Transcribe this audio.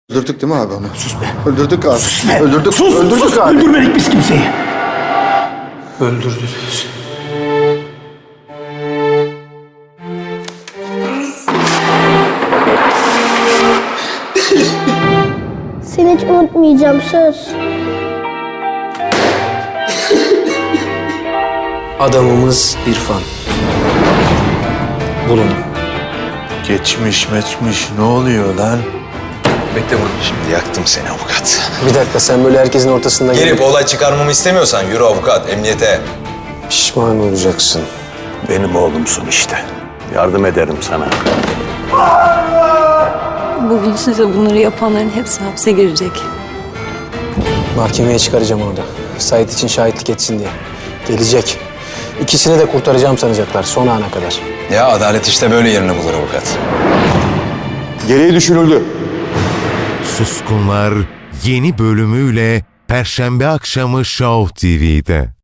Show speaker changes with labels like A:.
A: Öldürdük değil mi abi onu?
B: Sus be.
A: Öldürdük abi.
B: Sus be.
A: Öldürdük.
B: Sus,
A: Öldürdük
B: sus.
A: abi.
B: Öldürmedik biz kimseyi. Öldürdünüz.
C: Seni hiç unutmayacağım, söz.
D: Adamımız İrfan. Bulun.
E: Geçmiş ne oluyor lan?
D: Bekle burada.
E: Şimdi yaktım seni avukat.
D: Bir dakika, sen böyle herkesin ortasında
F: Gelip olay çıkarmamı istemiyorsan yürü avukat, emniyete.
D: pişman olacaksın.
E: Benim oğlumsun işte. Yardım ederim sana.
G: Bugün size bunları yapanların hepsi hapse girecek.
D: Mahkemeye çıkaracağım onu da. Sait için şahitlik etsin diye. Gelecek. İkisini de kurtaracağım sanacaklar son ana kadar.
F: Ya adalet işte böyle yerini bulur avukat.
A: Gereği düşünüldü.
H: Suskunlar yeni bölümüyle Perşembe akşamı Show TV'de.